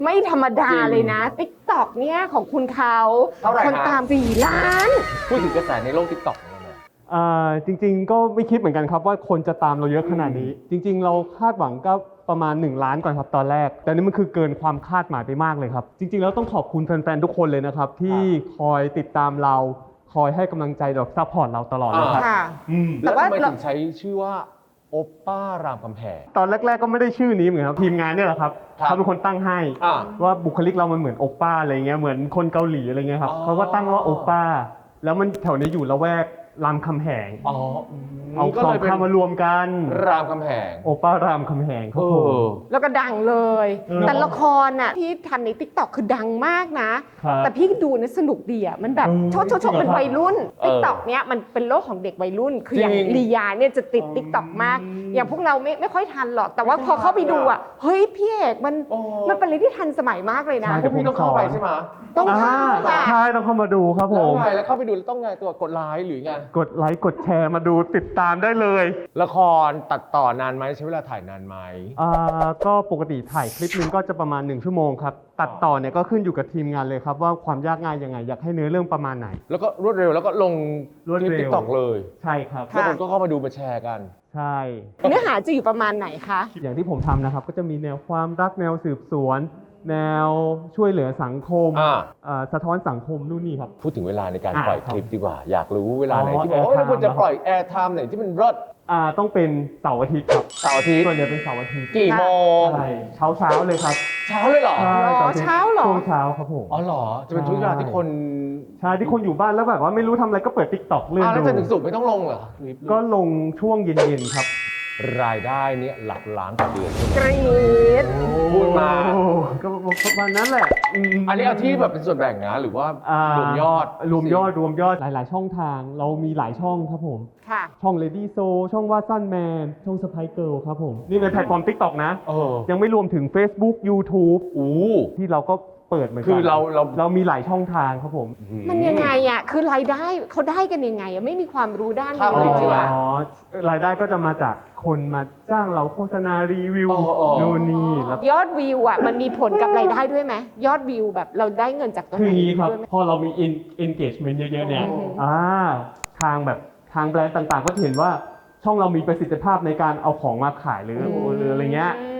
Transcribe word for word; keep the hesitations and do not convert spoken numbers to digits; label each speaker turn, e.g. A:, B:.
A: ไม่ธรรมดาเลยนะ ติ๊กต็อก เนี่ยของคุณเขาคนตามสี่ล้าน
B: พูดถึงกระแสในโลก ติ๊กต็อก เนี่ยนะ
C: อ่าจริงๆก็ไม่คิดเหมือนกันครับว่าคนจะตามเราเยอะขนาดนี้ จริงๆเราคาดหวังก็ประมาณหนึ่งล้านก่อนครับตอนแรกแต่นี่มันคือเกินความคาดหมายไปมากเลยครับจริงๆแล้วต้องขอบคุณแฟนๆทุกคนเลยนะครับที่คอยติดตามเราคอยให้กำลังใจเราซัพพอร์ตเราตลอดเลยครับ
B: แล้วทำไมถึงใช้ชื่อว่าโอปป้ารามคำแหง
C: ตอนแรกๆก็ไม่ได้ชื่อนี้เหมือนกันครับทีมงานเนี่ยแหละครับเขาเป็นคนตั้งให้ว่าบุคลิกเรามันเหมือนโอปป้าอะไรเงี้ยเหมือนคนเกาหลีอะไรเงี้ยครับเขาก็ตั้งว่าโอปป้าแล้วมันแถวนี้อยู่ละแวกรามคำแหง
B: อ๋อ
C: เอาสองคำมารวมกัน
B: รามคำแหง
C: โอป้ารามคำแหงครับผม
A: แล้วก็ดังเลยแต่ละครน่ะที่ทันใน ติ๊กต็อก คือดังมากนะแต่พี่ดูนะสนุกดีอ่ะมันแบบชดชดชดเป็นวัยรุ่น ติ๊กต็อก เนี้ยมันเป็นโลกของเด็กวัยรุ่นคืออย่างลียาเนี่ยจะติด ติ๊กต็อก มากอย่างพวกเราไม่ไม่ค่อยทันหรอกแต่ว่าพอเข้าไปดูอ่ะเฮ้ยพี่เอกมันมันเป็นอะไรที่ทันสมัยมากเลยนะ
B: พวกพี่ต้องเข้าไปใช่ไหม
A: ต้องเข้า
C: ใช่ต้องเข้ามาดูครับผม
B: แล้วไงแล้วเข้าไปดูแล้วต้องไงตัวกดไลค์หรือไง
C: กดไลค์กดแชร์มาดูติดตามได้เลย
B: ละครตัดต่อนานไหมใช้เวลาถ่ายนานไหม
C: อ่าก็ปกติถ่ายคลิปนึงก็จะประมาณหนึ่งชั่วโมงครับตัดต่อเนี่ยก็ขึ้นอยู่กับทีมงานเลยครับว่าความยากง่ายยังไงอยากให้เนื้อเรื่องประมาณไหน
B: แล้วก็รวดเร็วแล้วก็ลง
C: รวดเร็ว
B: ติ๊กต็อกเลย
C: ใช่ครับ
B: แล้วคนก็เข้ามาดูมาแชร์กัน
C: ใช่
A: เนื้อหาจะอยู่ประมาณไหนคะ
C: อย่างที่ผมทำนะครับก็จะมีแนวความรักแนวสืบสวนแนวช่วยเหลือสังคมสะท้อนสังคมนู่นนี่ครับ
B: พูดถึงเวลาในการปล่อยคลิปดีกว่าอยากรู้เวลาไหนที่บอกว่าเราควรจะปล่อยแอร์ไทม์ไหนที่มันรอด
C: อ่าต้องเป็นเสาร์อาทิตย์ครับ
B: เสาร์อาทิตย์
C: ส่วนใหญ่เป็นเสาร์อาทิตย์
B: กี่โมง
C: ใช่เช้าเช้าเลยครับ
B: เช้าเลยเหรอ
A: เช้าเหรอ
C: ช่วงเช้าครับผม
B: อ๋อเหรอจะเป็นช่วงเวลาที่คน
C: ใช่ที่คนอยู่บ้านแล้วแบบว่าไม่รู้ทำอะไรก็เปิด ติ๊กต็อก เลื่อนดู
B: แล้วจะถึงสุกไม่ต้องลงเหรอ
C: ก็ลงช่วงเย็นๆครับ
B: รายได้เนี่ยหลักล้านต่อเดือน
A: กรี๊ด
B: พูดมา
C: ก็ประมาณนั้นแหละ
B: อันนี้เอาที่แบบเป็นส่วนแบ่งนะหรือว่ารวมยอด
C: รวมยอดรวมยอดหลายๆช่องทางเรามีหลายช่องครับผมช่อง Lady So ช่องว่าสั้นแมนช่องสไปเกิลครับผมนี่ในแพลตฟอร์ม ติ๊กต็อก นะยังไม่รวมถึง Facebook YouTube ที่เราก็เปิดเหมือนกัน
B: คือเราเรา
C: เรามีหลายช่องทางครับผม
A: มันยังไงอ่ะคือรายได้เขาได้กันยังไงอ่ะไม่มีความรู้ด้านนี้เลยจริง
C: อ๋อรายได้ก็จะมาจากคนมาจ้างเราโฆษณารีวิวนู่นนี่แล้ว
A: ยอดวิวอ่ะมันมีผลกับรายได้ด้วยไหมยอดวิวแบบเราได้เงินจากตรง
C: ไหนคือ
A: นี้
C: ครับพอเรามี engagement เยอะๆเนี่ยอ่าทางแบบทางแบรนด์ต่างๆก็เห็นว่าช่องเรามีประสิทธิภาพในการเอาของมาขายหรือหรืออะไรเงี้ย